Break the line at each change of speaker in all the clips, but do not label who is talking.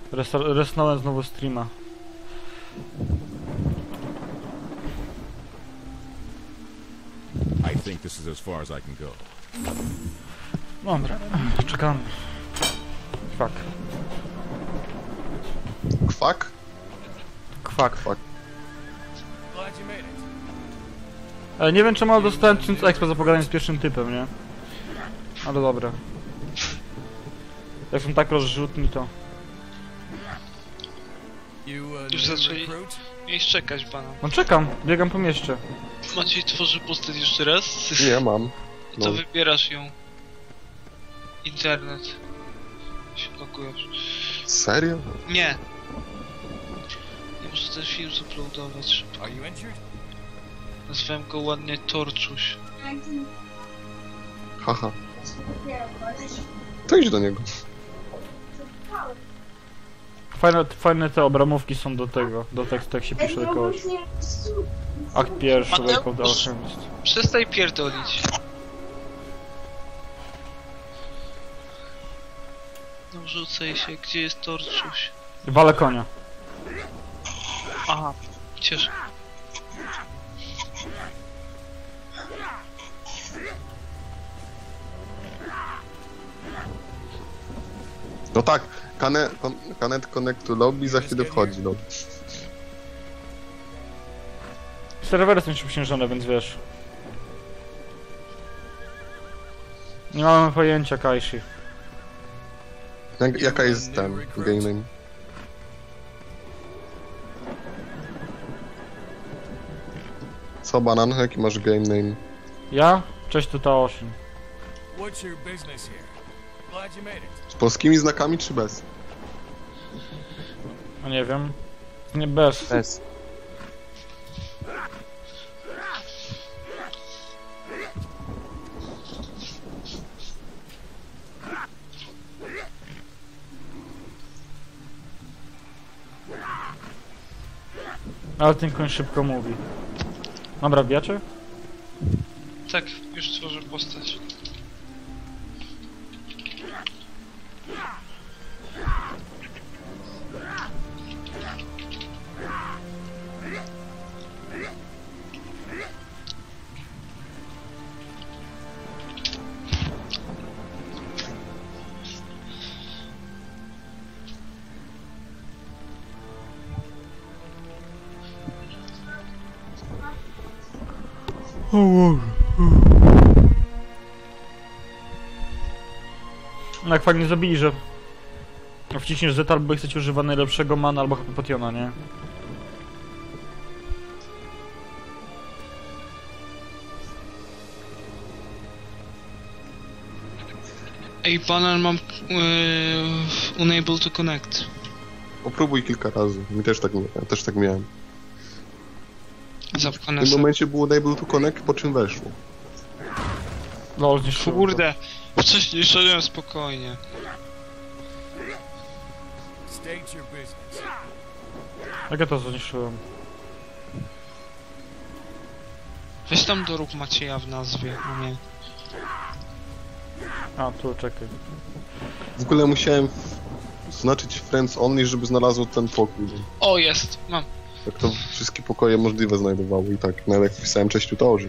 Resnąłem znowu streama.
I think this is as far as I can go.
Dobra, czekam. Kwak.
Kwak?
Kwak.
Kwak.
Glad you made it.
Ale nie wiem czemu dostałem 1000 expa za pogadanie z pierwszym typem, nie? Ale dobra. Jak są tak rozrzutni to...
Już zaczęli mieć czekać pana.
No czekam, biegam po mieście.
Maciej tworzy postać jeszcze raz?
Nie mam.
To
No.
wybierasz ją. Internet. Się blokujesz.
Serio?
Nie. Nie muszę ten film zuploadować szybko.
Are you injured?
Nazwałem go ładnie Torczuś.
Haha. To idź do niego.
Fajne te obramówki są do tego, do tekstu jak się pisze do kogoś. Akt pierwszy, Wake of the Alchemist.
Przestań pierdolić. No rzucaj się, gdzie jest Torczuś?
Walę konia.
Aha, cieszę.
No tak, Connect Connect to Lobby za chwilę wchodzi, no.
Serwery są przypiężone, więc wiesz. Nie mamy pojęcia, Kaishi.
Jaka jest ten game name? Co, Banan? Jaki masz game name?
Ja? Cześć, tu Taoshin.
What's your business here? Glad you made it.
Z polskimi znakami czy bez?
No nie wiem. Nie bez.
Bez.
Ale ten koń szybko mówi. Dobra, wbijacie?
Tak, już tworzę postać.
No jak fajnie zabili, że wciśniesz Z albo chcecie używa najlepszego mana albo HP potiona, nie?
Ej, banan mam unable to connect.
Popróbuj kilka razy. Mi też tak miałem.
Zapchane
W tym
sobie.
momencie było Enable to Connect, po czym weszło.
No, zniszczyłem.
Kurde, wcześniej szedłem spokojnie.
State your business.
Jak ja to zniszczyłem?
Weź tam dorób Macieja w nazwie, no nie.
A, tu, czekaj.
W ogóle musiałem znaczyć Friends Only, żeby znalazło ten pokój.
O, jest, mam.
Tak to wszystkie pokoje możliwe znajdowało i tak, nawet jak wpisałem cześć tutorzy.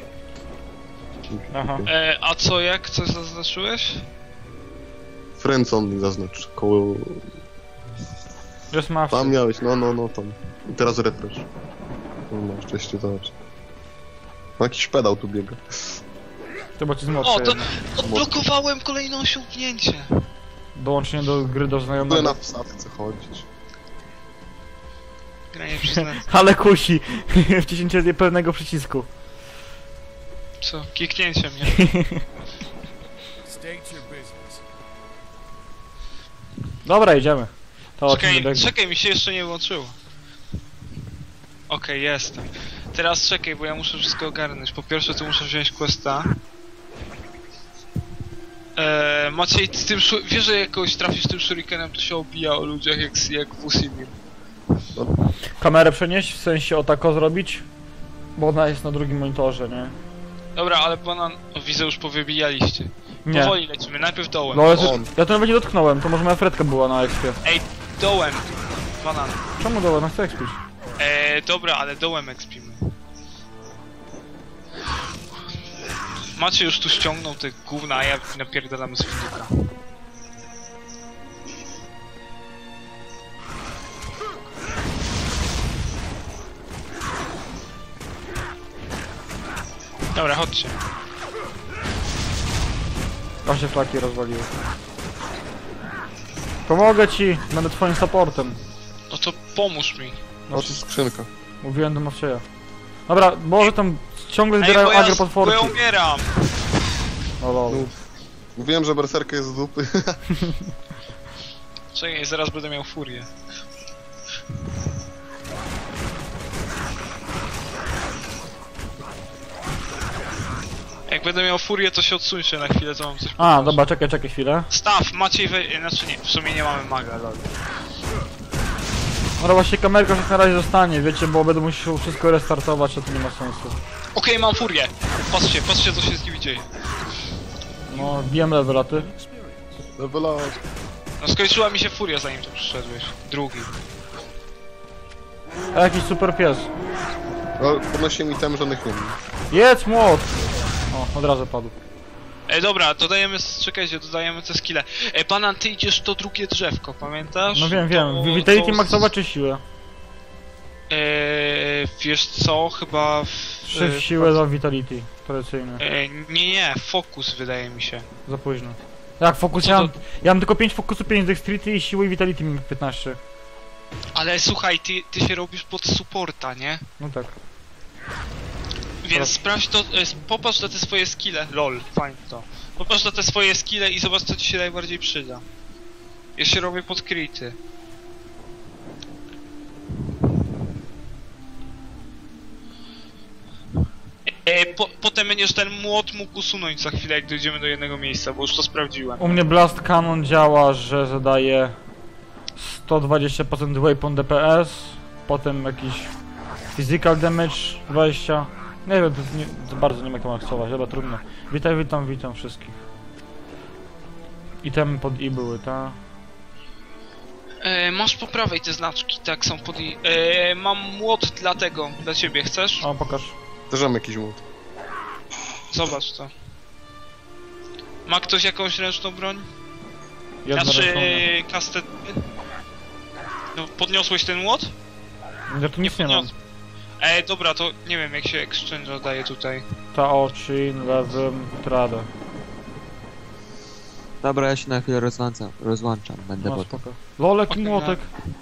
Aha.
A co, jak? Coś zaznaczyłeś?
Friends Only zaznacz, koło...
Just Mafia.
Tam miałeś, no tam. I teraz refresh. No masz, cześć tutorzy. No jakiś pedał tu biega.
To bo ci z
O,
młodszej
to
jednak.
odblokowałem kolejne osiągnięcie.
Dołączenie do gry do
W ogóle
znajomego.
na wsadce chodzić.
Granie przez net.
Ale kusi! Wciśnięcie pewnego przycisku.
Co? Kiknięcie mnie.
State your business.
Dobra, idziemy. To o czym
Czekaj,
biegnie.
czekaj, mi się jeszcze nie włączyło. Okej, jestem. Teraz czekaj, bo ja muszę wszystko ogarnąć. Po pierwsze to muszę wziąć questa. Maciej, z tym wiesz, że jak kogoś trafisz tym shurikenem, to się obija o ludziach jak w Usimie.
Kamerę przenieść, w sensie o tako zrobić? Bo ona jest na drugim monitorze, nie?
Dobra, ale banan... O, widzę, już powybijaliście.
Nie.
Powoli lecimy, najpierw dołem.
No ale
On.
ja to nawet nie dotknąłem, to może moja fredka była na ekspie.
Ej, dołem. Banan.
Czemu dołem? Na chcę ekspić.
Dobra, ale dołem ekspimy. Macie już tu ściągnął te gówna, a ja napierdalam z filika. Dobra, chodźcie.
Aż się flaki rozwaliły. Pomogę ci, będę twoim supportem.
No to pomóż mi.
O, tu skrzynka.
Mówiłem do Mawcieja. Dobra, może tam ciągle
Ej,
zbierają
bo ja
agropotworki.
umieram.
O lol.
Mówiłem, że berserka jest z dupy.
Czekaj, zaraz będę miał furię. Jak będę miał furię, to się odsuńcie na chwilę, to mam coś
A,
pokazać.
dobra, czekaj chwilę.
Staw, Maciej znaczy nie, w sumie nie mamy maga, lol.
No właśnie kamerka już na razie zostanie, wiecie, bo będę musiał wszystko restartować, a to nie ma sensu.
Okej, mam furię. Patrzcie co się z nimi dzieje.
No, wbijam level, a ty?
Level up.
No skończyła mi się furia, zanim tu przyszedłeś. Drugi.
A jakiś super pies.
No, podnosi mi tem, żadnych nie ma.
Jedz młot! O, od razu padł.
Dobra, dodajemy, czekajcie, dodajemy te skille. Banan, ty idziesz to drugie drzewko, pamiętasz?
No wiem.
To-
Vitality
to-
maksować czy siłę?
Wiesz co, chyba w...
Czy siłę za Vitality, tradycyjne.
Nie, fokus wydaje mi się.
Za późno. Jak fokus?
Co
Ja
to-
mam, ja mam tylko 5 fokusu, 5 dexterity i siły i Vitality mi 15.
Ale słuchaj, ty się robisz pod supporta, nie?
No tak.
Więc sprawdź to, popatrz na te swoje skille. Lol, fajnie to. Popatrz na te swoje skille i zobacz co ci się najbardziej przyda. Ja się robię pod crity. Potem będziesz ten młot mógł usunąć za chwilę, jak dojdziemy do jednego miejsca, bo już to sprawdziłem.
U mnie Blast Cannon działa, że zadaje 120% weapon DPS, potem jakiś physical damage 20. Nie wiem, to jest za bardzo nie wiem jak to maksować, ale trudno. Witam wszystkich. Itemy pod I były, ta?
Masz po prawej te znaczki, tak, są pod mam młot dla tego, dla ciebie, chcesz?
O, pokaż.
Też mam jakiś młot.
Zobacz to. Ma ktoś jakąś ręczną broń?
Jedna
Znaczy,
ręczna.
kastet... No, podniosłeś ten młot?
Ja tu nic nie mam.
Dobra, to nie wiem jak się exchange daje tutaj.
Ta oczy, lewym, tradę.
Dobra, ja się na chwilę rozłączam, będę
No
potem.
spoko. Lolek i
Okej,
młotek.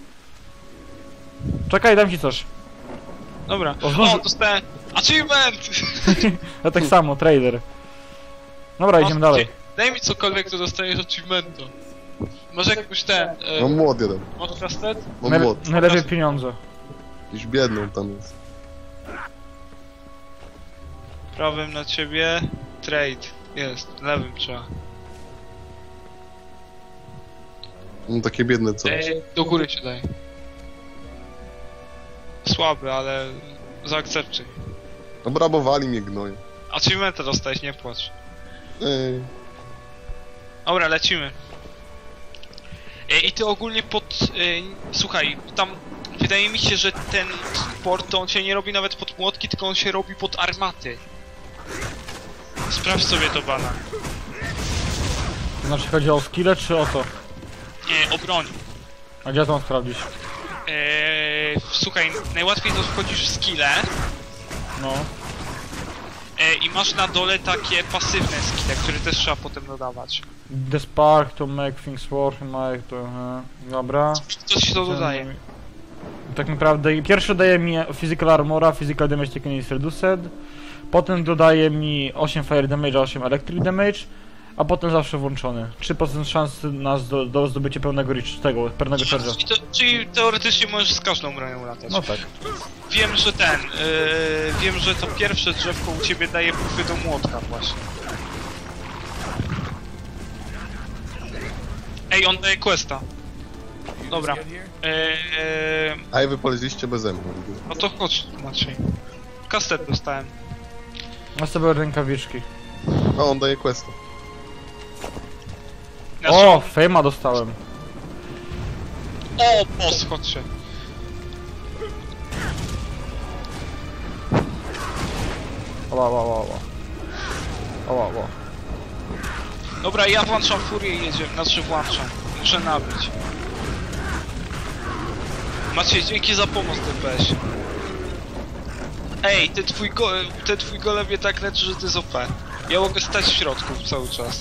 Czekaj, dam ci coś.
Dobra.
O, zdąży-
dostałem... Achievement!
Ja tak samo, trader. Dobra, idziemy dalej.
Daj mi cokolwiek, to dostajesz achievementa. Może jakbyś ten...
Mam młot jeden.
Mod kastet?
Mam młot.
Najlepiej pieniądze.
Jakiś biedną tam jest.
Prawym na ciebie... Trade. Jest, lewym trzeba.
Mam takie biedne coś.
Do góry się daj. Słaby, ale... Zaakceptuj.
Obrabowali mnie gnoje.
Achievementa dostałeś, nie płacz.
Ej.
Dobra, lecimy. I ty ogólnie słuchaj, tam wydaje mi się, że ten sport to on się nie robi nawet pod młotki, tylko on się robi pod armaty. Sprawdź sobie to, Bana.
To znaczy chodzi o skille czy o co?
Nie, o broń.
A gdzie to mam sprawdzić?
Słuchaj, najłatwiej to wchodzisz w skille
No.
i masz na dole takie pasywne skille, które też trzeba potem dodawać.
The spark to make things work, make to... Dobra.
Co się to dodaje?
Tak naprawdę pierwszy daje mi physical armora, physical damage taken is reduced. Potem dodaje mi 8 fire damage, 8 electric damage. A potem zawsze włączony. 3% szansy na do zdobycia pełnego pełnego charge'a.
Czyli teoretycznie możesz z każdą bronią latać.
No tak.
Wiem, że wiem, że to pierwsze drzewko u ciebie daje buffy do młotka właśnie. Ej, on daje questa. Dobra.
A i wy polecieliście beze mnie.
No to chodź, Maciej. Kastet dostałem.
Masz sobie rękawiczki.
O, on daje questa.
O, fejma dostałem.
O, boss, chodźcie.
Ała.
Dobra, ja włączam furię i jedziemy. Znaczy włączam. Muszę nabić. Maciej, dzięki za pomoc, DPS. Ej, ten twój gole mnie tak leczy, że to jest OP. Ja mogę stać w środku cały czas.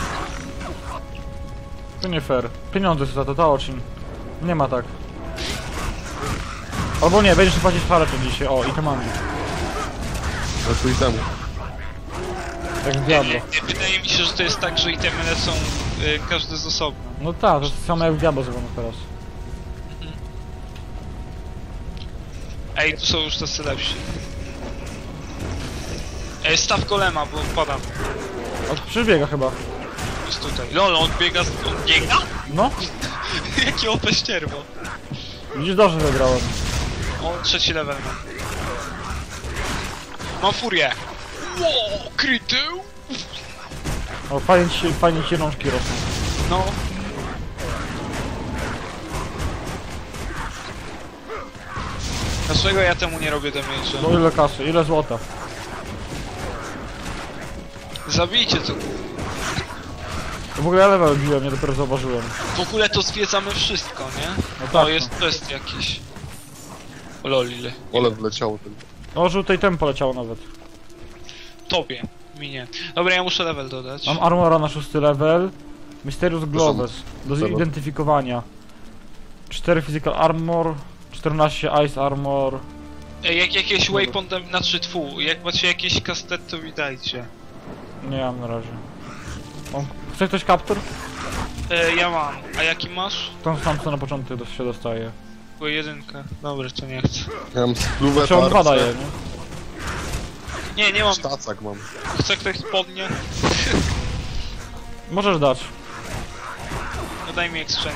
To nie fair. Pieniądze są za to, Taochin. Nie ma tak. Albo nie, będziesz płacić haracz dzisiaj. O, i to mamy.
Na twój temu.
Tak w Diablo.
Wydaje mi się, że to jest tak, że itemy lecą każdy z osobna.
No tak, to jest samo jak w Diablo zrobiono teraz.
Ej, tu są już tacy lepsi. Ej, staw golema, bo padam.
Przybiega chyba.
Jest tutaj. Lol, on biega on biega?
No,
Jaki OP ścierwo.
widzisz, dobrze wygrałem.
O, 3 level mam. Mam furię. Ło, kryty.
O, fajnie ci rączki rosną.
No. Dlaczego ja temu nie robię damage'a?
No ile kasy, ile złota?
Zabijcie to.
To w ogóle ja level biłem, nie dopiero zauważyłem.
W ogóle to zwiedzamy wszystko, nie?
No tak,
O,
no.
jest jakiś. O lol, ile.
Ole wleciało ten.
No, żółtej tempo leciało nawet.
Tobie. Mi nie. Dobra, ja muszę level dodać.
Mam armora na 6 level. Mysterious Gloves. Do
Zero.
zidentyfikowania. 4 physical armor. 14 ice armor.
Ej, jak jakieś
Dobra.
waypoint, znaczy jak macie jakieś kastet, to mi dajcie.
Nie mam na razie. Chce ktoś kaptur?
Ja mam. A jaki masz?
Tą sam co na początku się dostaje.
Tylko jedynkę. Dobra, to nie chcę.
Ja mam spluwę,
Czy on dwa daje, nie?
Nie mam.
Sztacak mam.
Chce ktoś spodnie?
Możesz dać.
No daj mi exchange.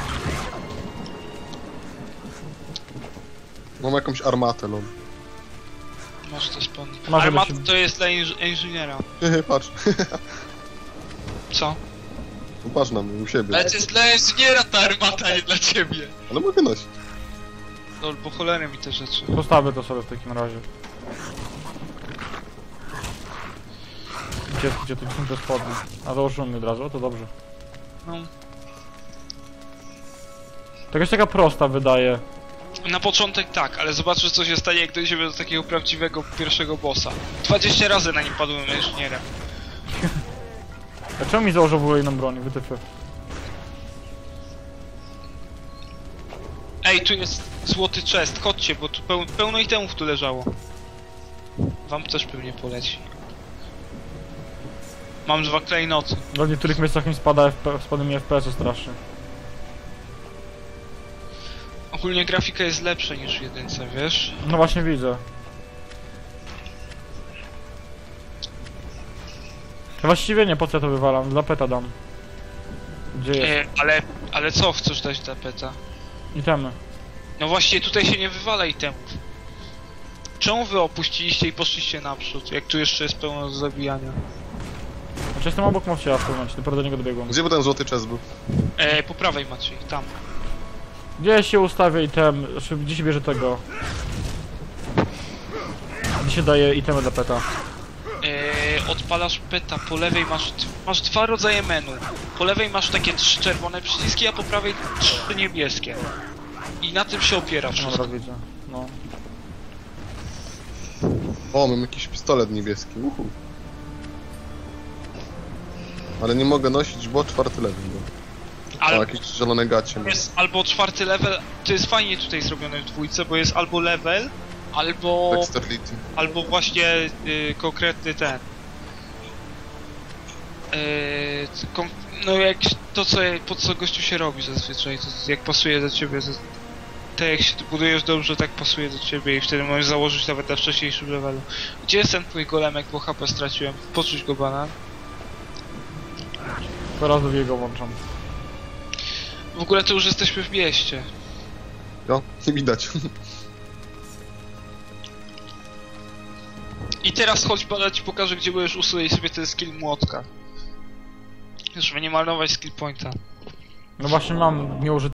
Mam jakąś armatę, no.
Masz te spodnie.
Masz
Armat
jakieś-
to jest dla inżyniera.
Patrz.
Co?
Patrz na mnie, u siebie.
Ale to jest dla inżyniera ta armata, nie dla ciebie.
Ale mogę nosić.
No, bo cholery mi te rzeczy.
Postawię to sobie w takim razie. Gdzie tu są te spodnie? A założyłem mi od razu, o to dobrze.
No.
To jakaś taka prosta wydaje.
Na początek tak, ale zobaczę co się stanie, jak dojdziemy do takiego prawdziwego pierwszego bossa. 20 razy na nim padłem inżynierem.
A czemu mi założył w ogóle inną broń? Wytyfy.
Ej, tu jest złoty chest, chodźcie, bo tu pełno itemów tu leżało. Wam też pewnie poleci. Mam 2 klejnoty.
W niektórych miejscach mi spada mi FPS-u strasznie.
Ogólnie grafika jest lepsza niż w jedynce, wiesz?
No właśnie widzę. No właściwie nie, po co ja to wywalam? Dla peta dam. Gdzie jest?
Ale co chcesz dać dla peta?
Itemy.
No właśnie, tutaj się nie wywala itemów. Czemu wy opuściliście i poszliście naprzód, jak tu jeszcze jest pełno do zabijania?
Znaczy jestem obok Mowcia w tym momencie, dopiero do niego dobiegłem.
Gdzie by ten złoty czas był?
Po prawej Maciej, tam.
Gdzie się ustawia item? Znaczy, gdzie się bierze tego? Gdzie się daje itemy dla peta?
Odpalasz peta, po lewej masz 2 rodzaje menu. Po lewej masz takie 3 czerwone przyciski, a po prawej 3 niebieskie. I na tym się opiera wszystko.
Dobra, widzę. No.
O, mam jakiś pistolet niebieski. Uhu. Ale nie mogę nosić, bo 4 level. O,
Ale
jakieś zielone gacie. mam.
jest albo 4 level, to jest fajnie tutaj zrobione w dwójce, bo jest albo level, albo
Dexterity.
właśnie konkretny ten. No jak to co, po co gościu się robi zazwyczaj, to jak pasuje do ciebie, tak jak się budujesz dobrze, tak pasuje do ciebie i wtedy możesz założyć nawet na wcześniejszym levelu. Gdzie jest ten twój golemek, bo HP straciłem? Poczuć go banan.
Teraz do jego włączam.
W ogóle to już jesteśmy w mieście.
No, nie widać.
I teraz chodź, bada ci pokażę, gdzie będziesz usunąć sobie ten skill młotka. Żeby nie marnować skill pointa.
No właśnie mam nieużyty